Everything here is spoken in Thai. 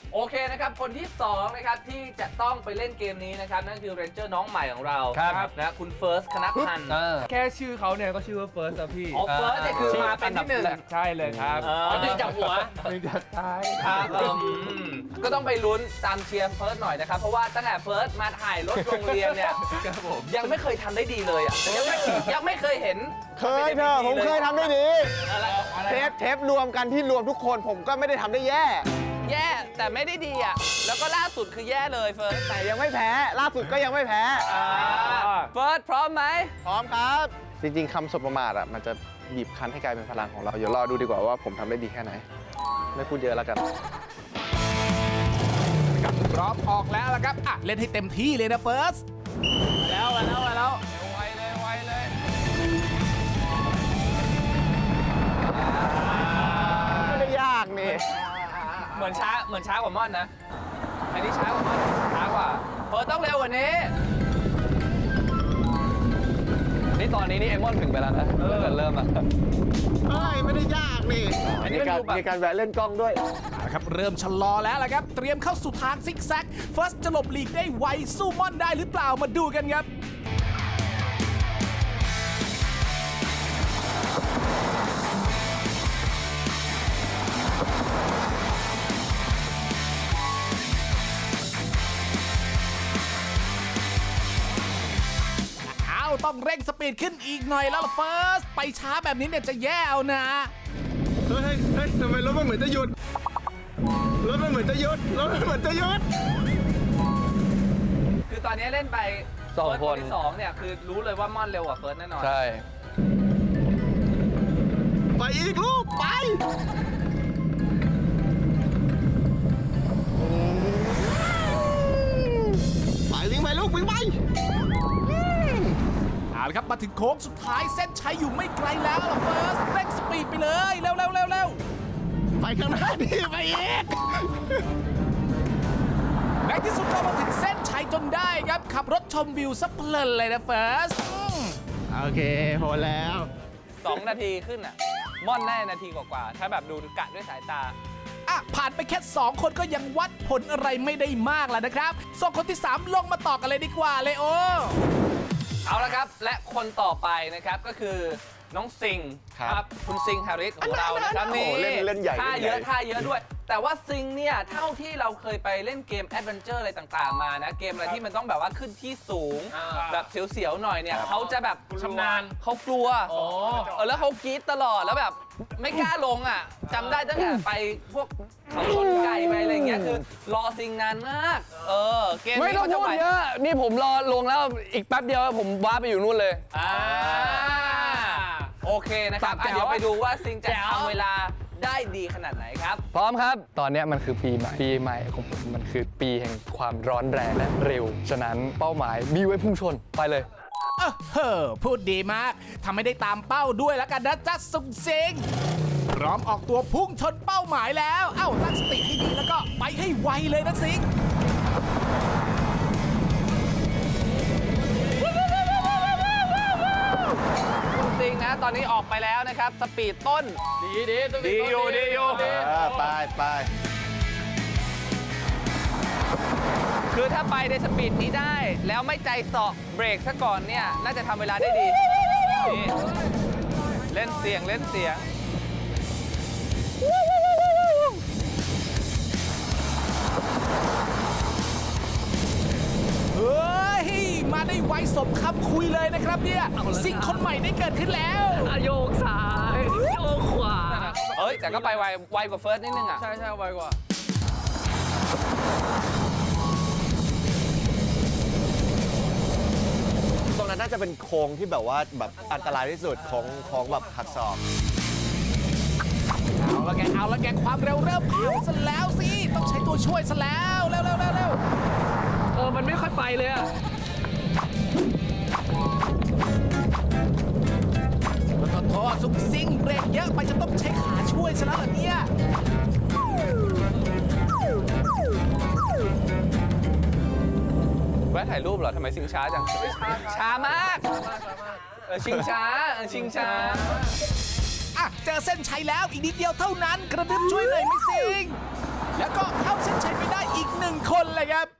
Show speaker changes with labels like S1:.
S1: โอเคนะครับคนที่2นะครับที่จะต้องไปเล่นเกมนี้นะครับนั่นคือเรนเจอร์น้องใหม่ของเราครับนะคุณเฟิร์สคณพันธ์
S2: แค่ชื่อเขาเนี่ยก็ชื่อว่าเฟิร์สแล้วพี่
S1: อ๋อเฟิร์สเนี่ยคือมาเป็นที่1
S2: ใช่เลยครับ
S1: หนึ่งจากหัว
S2: หนึ่งจากท้าย
S1: ครับก็ต้องไปลุ้นตามเชียร์เฟิร์สหน่อยนะครับเพราะว่าตั้งแต่เฟิร์สมาถ่ายรถโรงเรียนเนี่ยยังไม่เคยทำได้ดีเลยอ่ะยังไม่เคยเห็น
S3: เคยเถอะผมเคยทำได้ดีเทปรวมกันที่รวมทุกคนผมก็ไม่ได้ทำได้แย่
S1: แต่ไม่ได้ดีอ่ะแล้วก็ล่าสุดคือแย่เลยเฟิร์ส
S3: แต่ยังไม่แพ้ล่าสุดก็ยังไม่แพ้
S1: เฟิร์สพร้อมไหม
S3: พร้อมครับ จริงๆคำสบประมาทอ่ะมันจะบีบคั้นให้กลายเป็นพลังของเราเดี๋ยวรอดูดีกว่าว่าผมทำได้ดีแค่ไหนไม่พูดเยอะแล้วกัน
S4: พร้อมออกแล้วล่ะครับอ่ะเล่นให้เต็มที่เลยนะเฟิร์ส
S1: มาแล้วไวเลย
S3: ไม่ได้ยากนี่
S1: เหมือนช้ากว่าม่อนนะอันนี้ช้ากว่าม่อนช้ากว่าเฟิร์สต้องเร็วกว่านี้นี่ตอนนี้นี่เอมอนถึงไปแล้วนะเริ่มอ่ะ
S3: ไม่ได้ยากนี่
S1: อันนี้
S3: มีการแวะเล่นกล้องด้วย
S4: นะครับเริ่มชะลอแล้วล่ะครับเตรียมเข้าสู่ทางซิกแซกเฟิร์สจะหลบหลีกได้ไวสู้ม่อนได้หรือเปล่ามาดูกันครับต้องเร่งสปีดขึ้นอีกหน่อยแล้วล่ะเฟิร์สไปช้าแบบนี้เนี่ยจะแย่เอานะ
S3: เฮ้ยทำไมรถมันเหมือนจะหยุด
S1: คือตอนนี้เล่นไป2 คนที่2เนี่ยคือรู้เลยว่าม่อนเร็วกว่าเฟิร์สแน่นอน
S3: ใช่ไปอีกลูกไปวิ่งไปลูกวิ่งไป
S4: เอาละครับมาถึงโค้งสุดท้ายเส้นชัยอยู่ไม่ไกลแล้วล่ะเฟิร์สเร่งสปีดไปเลยเร็ว
S3: ไปข้างหน้าดิไปอีก
S4: ในที่สุดก็มาถึงเส้นชัยจนได้ครับขับรถชมวิวซะเพลินเลยนะเฟิร์ส
S3: โอเคพอแล้ว
S1: 2 นาทีขึ้นอ่ะม่อนได้นาทีกว่าถ้าแบบดูกะด้วยสายตา
S4: ผ่านไปแค่2 คนก็ยังวัดผลอะไรไม่ได้มากแล้วนะครับส่งคนที่3ลงมาต่อกันเลยดีกว่าเลยโอ
S1: เอาละครับและคนต่อไปนะครับก็คือน้องซิงครับคุณซิงฮาริสของเรานะครับนี่
S3: เล่นใหญ่
S1: ท่าเยอะด้วยแต่ว่าซิงเนี่ยเท่าที่เราเคยไปเล่นเกมแอดเวนเจอร์อะไรต่างๆมานะเกมอะไรที่มันต้องแบบว่าขึ้นที่สูงแบบเสียวๆหน่อยเนี่ยเขาจะแบบชำนาญเขากลัวแล้วเขากรี๊ดตลอดแล้วแบบไม่กล้าลงอ่ะจำได้ตั้งแต่ไปพวกเขาชนไก่ไปอะไรเงี้ยคือรอซิงนานมากเกม
S2: ไม่ต้องพูดเยอะนี่ผมรอลงแล้วอีกแป๊บเดียวผมว้าไปอยู่นู่นเลย
S1: โอเคนะครับเดี๋ยวไปดูว่าซิงจะทำเวลาได้ดีขนาดไหนครับ
S2: พร้อมครับตอนนี้มันคือปีใหม่ของผมมันคือปีแห่งความร้อนแรงและเร็วฉะนั้นเป้าหมายมีไว้พุ่งชนไปเลย
S4: พูดดีมากทำให้ได้ตามเป้าด้วยแล้วกันนะจ๊ะสุงซิงพร้อมออกตัวพุ่งชนเป้าหมายแล้วตั้งสติให้ดีแล้วก็ไปให้ไวเลยนะซิง
S1: ซิงนะตอนนี้ออกไปแล้วนะครับสปีดต้นดีอยู่
S3: ไป
S1: คือถ้าไปในสปีดนี้ได้แล้วไม่ใจเสาะเบรกซะก่อนเนี่ยน่าจะทำเวลาได้ดีนี่เล่นเสียง
S4: เฮ้ยมาได้ไวสมคำคุยเลยนะครับเนี่ยสิ่งคนใหม่ได้เกิดขึ้นแล้ว
S1: โยกซ้ายโยกขวาแต่ก็ไปไวกว่าเฟิร์สนิดนึงอ่ะ
S2: ใช่ไวกว่า
S3: ตรงนั้นน่าจะเป็นโค้งที่แบบว่าแบบอันตรายที่สุดของแบบหักศอก
S4: เอาละแกความเร็วเริ่มผ่านซะแล้วสิต้องใช้ตัวช่วยซะแล้วเร็ว
S1: มันไม่ค่อยไปเลยอ่ะ
S4: โทษสุกซิงเบรกเยอะไปจะต้องใช้ขาช่วยซะแล้วเหรอเนี่ย
S1: แวะถ่ายรูปเหรอทำไมซิงช้าจังช้ามากชิงช้า
S4: เจอเส้นชัยแล้วอีกนิดเดียวเท่านั้นกระดึ๊บช่วยหน่อยไม่ซิงแล้วก็เข้าเส้นชัยไปเลยครับ